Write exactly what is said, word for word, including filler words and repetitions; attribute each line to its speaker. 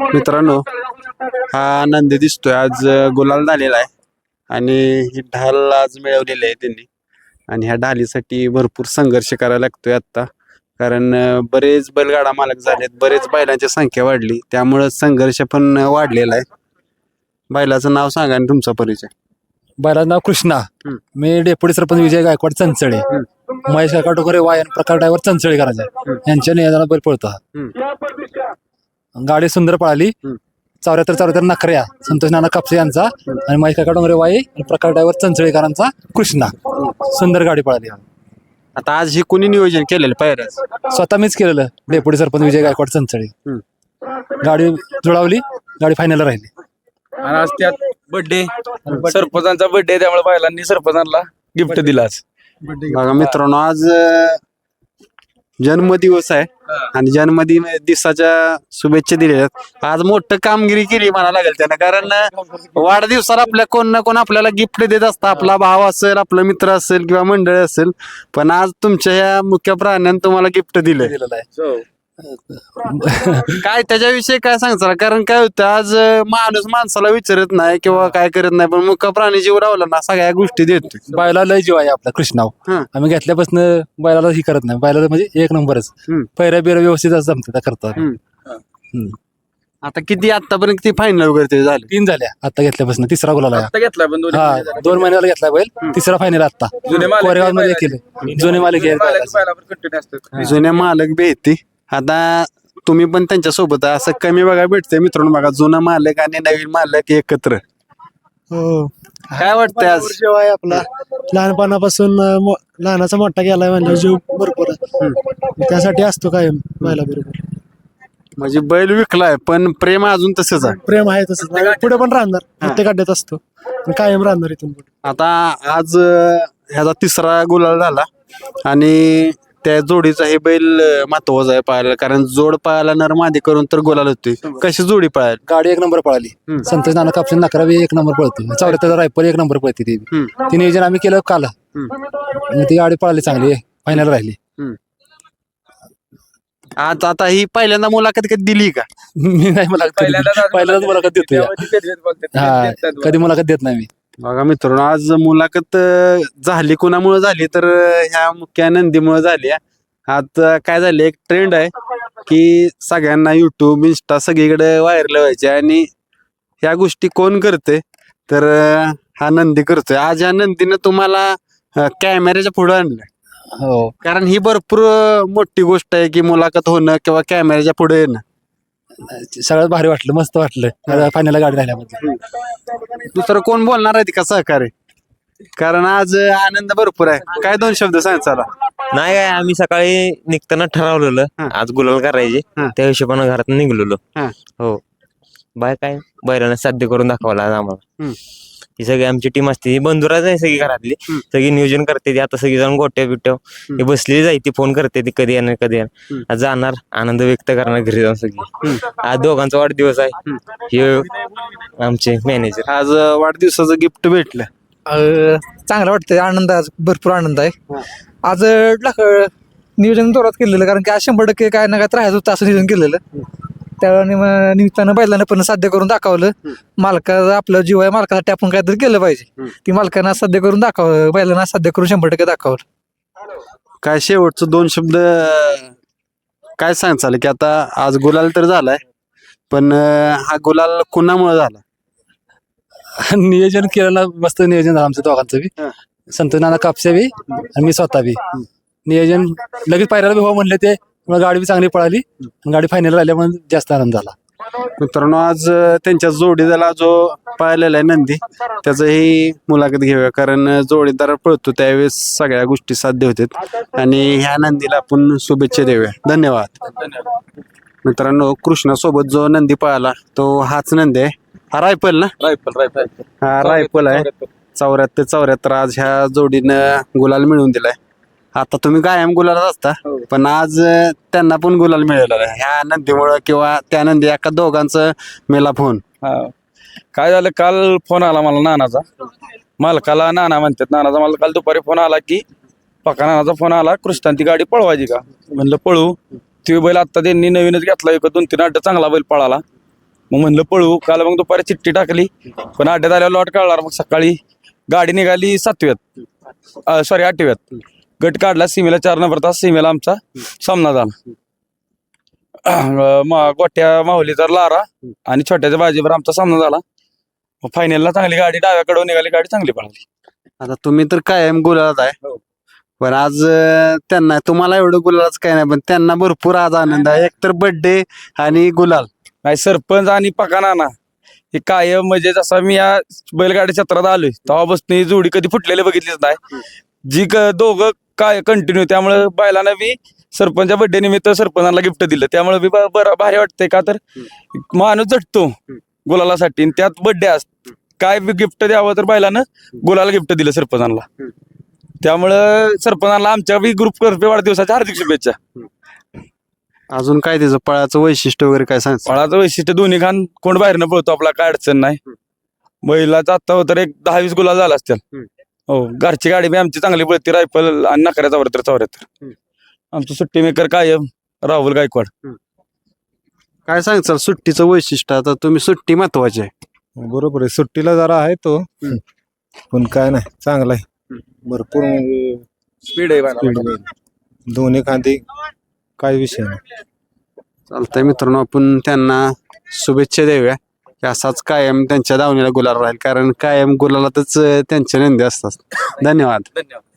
Speaker 1: मित्रांनो, हा नंदी दिसतोय आज गुलाल झालेला आहे आणि ही ढाल आज मिळवलेली आहे त्यांनी. आणि ह्या ढालीसाठी भरपूर संघर्ष करायला लागतोय आता, कारण अं, बरेच बैलगाडा मालक झालेत, बरेच बैलांची संख्या वाढली, त्यामुळे संघर्ष पण वाढलेला आहे. बैलाचं नाव सांगा आणि तुमचा परिचय.
Speaker 2: बैलाचं नाव कृष्णा.
Speaker 1: हम्म.
Speaker 2: मी डेप्युटी सरपंच विजय गायकवाड चंचळे.
Speaker 1: हम्म.
Speaker 2: महेश काका टोकरे वायन प्रकार ड्रायव्हर चंचळे करायचा यांच्या नियोजनात बैल पळतो हा.
Speaker 1: हम्म.
Speaker 2: गाडी सुंदर पळाली.
Speaker 1: हम्म.
Speaker 2: चौऱ्याहत्तर चौऱ्याहत्तर नखऱ्या संतोष नाना कापसे यांचा आणि महेश काका टोकरे वाई आणि प्रकार ड्रायव्हर चंचळेकरांचा कृष्णा. सुंदर गाडी पळाली.
Speaker 1: आता आज ही कोणी नियोजन केलेलं पायऱ्याच?
Speaker 2: स्वतः मीच केलेलं डेप्युटी सरपंच विजय गायकवाड चंचळे.
Speaker 1: हम्म.
Speaker 2: गाडी जुळवली, गाडी फायनल राहिली.
Speaker 3: आणि आज त्यात बर्थडे सरपंचांचा बर्थडे त्यामुळे बैलांनी सरपंचांना गिफ्ट दिला आज.
Speaker 1: बघा मित्रांनो, आज अं, जन्मदिवस आहे आणि जन्मदिवसाच्या शुभेच्छा दिलेल्या आहेत. आज मोठं कामगिरी केली म्हणा लागेल त्यानं, कारण अं, वाढदिवसाला आपल्या कोण ना कोण आपल्याला गिफ्ट देत असतं. आपला भाव असेल, आपला मित्र असेल किंवा मंडळ असेल, पण आज तुमच्या ह्या मुख्य प्राण्यानं तुम्हाला गिफ्ट दिलंय.
Speaker 2: दिलेलं आहे.
Speaker 1: काय त्याच्याविषयी काय सांगता? कारण काय होतं, आज अं, माणूस माणसाला विचारत नाही किंवा काय करत नाही, पण मुख्य प्राणी जीव रावला ना सगळ्या गोष्टी देतोय.
Speaker 2: बैला लय जीव आहे आपला कृष्णाव.
Speaker 1: हं.
Speaker 2: आम्ही घेतल्यापासून बैलाला ही करत नाही. बैलाला म्हणजे एक नंबरच.
Speaker 1: हम्म.
Speaker 2: पैऱ्या बिऱ्या व्यवस्थित जमते करतो.
Speaker 1: हम्म. आता किती आतापर्यंत किती फायनल वगैरे ते झाले?
Speaker 2: तीन झाल्या आता घेतल्यापासून. तिसरा गुलाल आहे.
Speaker 3: आता घेतला पण दोन्ही
Speaker 2: हा
Speaker 3: झाले.
Speaker 2: दोन महिन्याला घेतला बैल. तिसरा फायनल आता
Speaker 3: जुने मालक
Speaker 2: कोरेगाव मध्ये केले. जुने मालिक
Speaker 3: जुने मालक बैलावर कंटिन्यू असतात.
Speaker 1: जुन्या मालक बी आहेत ती. आता तुम्ही पण त्यांच्या सोबत आहे, असं कमी बघा भेटतंय मित्रांनो. बघा, जुना मालक आणि नवीन मालक एकत्र.
Speaker 4: हो
Speaker 1: काय वाटतंय आज?
Speaker 4: जीव आहे आपला लहानपणापासून अं, मो- लहानाचा मोठा गेलाय म्हणजे जीव भरपूर आहे. त्यासाठी असतो कायम बैला बरोबर.
Speaker 1: म्हणजे बैल विकलाय पण प्रेम अजून तसंच आहे.
Speaker 4: प्रेम आहे तसंच पुढे पण राहणार. प्रत्येक अड्ड्यात असतो आणि कायम राहणार इथून पुढे.
Speaker 1: आता आज अं, ह्याचा तिसरा गुलाल झाला आणि त्या जोडीचा हे बैल अं, महत्वाचा आहे पाहायला, कारण जोड पाहायला नर मादी करून तर गुलाल होते. कशी जोडी पाहायला?
Speaker 2: गाडी एक नंबर पळाली.
Speaker 1: हम्म.
Speaker 2: संतोष नाना कापसे नकरा बी एक नंबर पळते. चौऱ्याहत्तर रायफल एक नंबर पळते. ती
Speaker 1: हम्म.
Speaker 2: ती नियोजन आम्ही केलं काल.
Speaker 1: हम्म.
Speaker 2: आणि ती गाडी पळाली चांगली. फायनल राहिली.
Speaker 1: आज आता ही पहिल्यांदा मुलाखत कधी दिली का?
Speaker 2: मी नाही मला
Speaker 3: पहिल्यांदाच आज
Speaker 2: पहिल्यांदाच मुलाखत देतो या.
Speaker 3: त्यामध्ये भेदभेद बोलतात.
Speaker 2: हा
Speaker 3: देतात
Speaker 2: कधी मुलाखत देत नाही मी.
Speaker 1: बघा मित्रांनो, आज मुलाखत अं, झाली कोणामुळे झाली तर अं, ह्या मुख्य नंदीमुळे झाली. आता काय झालं, एक ट्रेंड आहे की सगळ्यांना युट्यूब इंस्टा सगळीकडे व्हायरल व्हायचे आणि ह्या गोष्टी कोण करते तर अं, हा नंदी करतोय. आज ह्या नंदीनं तुम्हाला अं, कॅमेऱ्याच्या पुढे आणलं,
Speaker 2: हो
Speaker 1: कारण ही भरपूर अं, मोठी गोष्ट आहे की मुलाखत होणं किंवा कॅमेऱ्याच्या पुढे येणं.
Speaker 2: सगळ्यात भारी वाटलं. मस्त वाटलं फायनल गाडी राहिल्यामध्ये.
Speaker 1: दुसरं कोण बोलणार आहे का सहकार्य? कारण आज अं, आनंद भरपूर आहे. काय दोन शब्द सांग चला.
Speaker 5: नाही काय, आम्ही सकाळी निघताना ठरवलेलं
Speaker 1: हा.
Speaker 5: आज गुलाल करायचे.
Speaker 1: हा.
Speaker 5: त्या हिशोबानं घरात निघलेलो.
Speaker 1: हा.
Speaker 5: हो, बाय काय बैलांना साध्य करून दाखवला आज आम्हाला.
Speaker 1: हम्म.
Speaker 5: ही सगळी आमची टीम असते. ही बंधुराच आहे सगळी घरातली.
Speaker 1: हम्म.
Speaker 5: सगळी नियोजन करते ती. आता सगळी जण गोट्या बिट्या ही बसलेली जाई. ती फोन करते ती कधी येणार कधी येणार.
Speaker 1: हम्म.
Speaker 5: आज जाणार, आनंद व्यक्त करणार घरी जाऊन सगळी. आज दोघांचा वाढदिवस आहे. हे आमचे मॅनेजर.
Speaker 1: आज अं, वाढदिवसाचं गिफ्ट भेटलं.
Speaker 6: अं, चांगलं वाटतंय. आनंद आहे, आज भरपूर आनंद आहे. आज अं, लाख- नियोजन जोरात केलेलं, कारण की आज शंभर टक्के काय ना काय त्रास होतं असं नियोजन केलेलं. त्या निम- निमित्तानं बैलानं पण साध्य करून दाखवलं. मालकाचा आपलं जीव आहे, मालकासाठी आपण काहीतरी केलं पाहिजे. ती मालकानं साध्य करून दाखवलं, बैलांना साध्य करून शंभर टक्के दाखवलं.
Speaker 1: काय शेवटचं दोन शब्द अं, काय सांगचाल की आता आज गुलाल तर झालाय, पण अं, हा गुलाल कुणामुळे झाला?
Speaker 2: नियोजन केलेलं मस्त नियोजन झालं आमचं दोघांचं बी.
Speaker 1: हा.
Speaker 2: संतोष नाना कापसे बी आणि मी स्वतः बी. नियोजन लगेच पायऱ्याला बी हो म्हणले ते. मग गाडी बी चांगली पळाली. गाडी फायनल राहिल्यामुळे जास्त आनंद झाला.
Speaker 1: मित्रांनो, आज अं, त्यांच्या जोडीदाराला जो पाहिलेला आहे नंदी, त्याचंही मुलाखत घेऊया, कारण अं, जोडीदार पळतो त्यावेळेस सगळ्या गोष्टी साध्य होतात आणि ह्या नंदीला आपण शुभेच्छा देऊया. धन्यवाद. मित्रांनो, कृष्णासोबत जो नंदी पळाला तो हाच नंदी आहे. हा रायफल ना?
Speaker 3: रायफल रायफल
Speaker 1: हा रायफल आहे. चौऱ्याहत्तर चौऱ्याहत्तर आज ह्या जोडीनं गुलाल मिळवून दिलाय. आता तुम्ही कायम गुलालात असता, पण आज अं, त्यांना पण गुलाल मिळाला आहे ह्या नंदीमुळं किंवा त्या नंदी एका दोघांचं मेला फोन.
Speaker 3: हा. काय झालं, काल फोन आला मला नानाचा. मालकाला नाना म्हणतात. नानाचा मला काल दुपारी फोन आला की पका नानाचा फोन आला, कृष्णान ती गाडी पळवायची का? म्हणलं पळू. ती बैल आता त्यांनी नवीनच घेतला. एक दोन तीन अड्डा चांगला बैल पळाला. मग म्हणलं पळू. काल मग दुपारी चिठ्ठी टाकली, पण अड्ड्यात आल्यावर लॉट काढणार. मग सकाळी गाडी निघाली सातव्यात सॉरी आठव्यात. गट काढला सीमेला चार नंबर तास. सीमेला आमचा सामना झाला. अं, मा- गोट्या माहुलीचा लारा आणि छोट्याच्या बाजीवर आमचा सामना झाला. फायनलला चांगली गाडी डाव्याकडून निघाली, गाडी चांगली पळाली.
Speaker 1: आता तुम्ही तर कायम गुलालात आहे, पण आज अं, त्यांना तुम्हाला एवढं गुलालाच काय नाही, पण त्यांना भरपूर आज आनंद आहे. एक तर बर्थडे आणि गुलाल.
Speaker 3: नाही सरपंच आणि पका नाना हे कायम म्हणजे जसा मी या बैलगाडी क्षेत्रात आलोय तेव्हापासून ही जोडी कधी फुटलेली बघितलीच नाही. जी क- दोघं काय कंटिन्यू, त्यामुळे बैलांना बी सरपंचा बर्थडे निमित्त सरपंचाला गिफ्ट दिलं. त्यामुळे बी ब- बरं भारी वाटतंय, का तर माणूस झटतो गुलालासाठी आणि त्यात बर्थडे असत. काय बी गिफ्ट द्यावं तर बैलानं गुलाला गिफ्ट दिलं सरपंचाला. त्यामुळं सरपंचाला आमच्या बी ग्रुप तर्फे वाढदिवसाच्या हार्दिक शुभेच्छा.
Speaker 1: अजून काय त्याचं पळाचं वैशिष्ट्य वगैरे काय सांग?
Speaker 3: फळाचं वैशिष्ट्य दोन्ही खान कोण बाहेरनं पळतो आपला, काय अडचण नाही. बैलाचा आता तर एक दहा वीस गुलाल झाला असतील. हो, घरची गाडी बी आमची चांगली पळती, रायफल आणि नकऱ्या चौऱ्याहत्तर चौऱ्याहत्तर. आमचं सुट्टी मेकर कायम राहुल गायकवाड.
Speaker 1: काय सांगचाल सुट्टीचं वैशिष्ट्य? आता तुम्ही सुट्टी महत्वाची आहे.
Speaker 7: बरोबर आहे, सुट्टीला जरा आहे तो, पण काय नाही, चांगला आहे. भरपूर म्हणजे
Speaker 3: स्पीड आहे
Speaker 7: speed आहे. दोन्ही खांदी काय विषय नाही.
Speaker 1: चालतंय मित्रांनो, आपण त्यांना शुभेच्छा देऊया की असाच कायम त्यांच्या दावणीला गुलाल राहील, कारण कायम गुलालातच अं, त्यांचे नंदी असतात. धन्यवाद.
Speaker 3: धन्यवाद.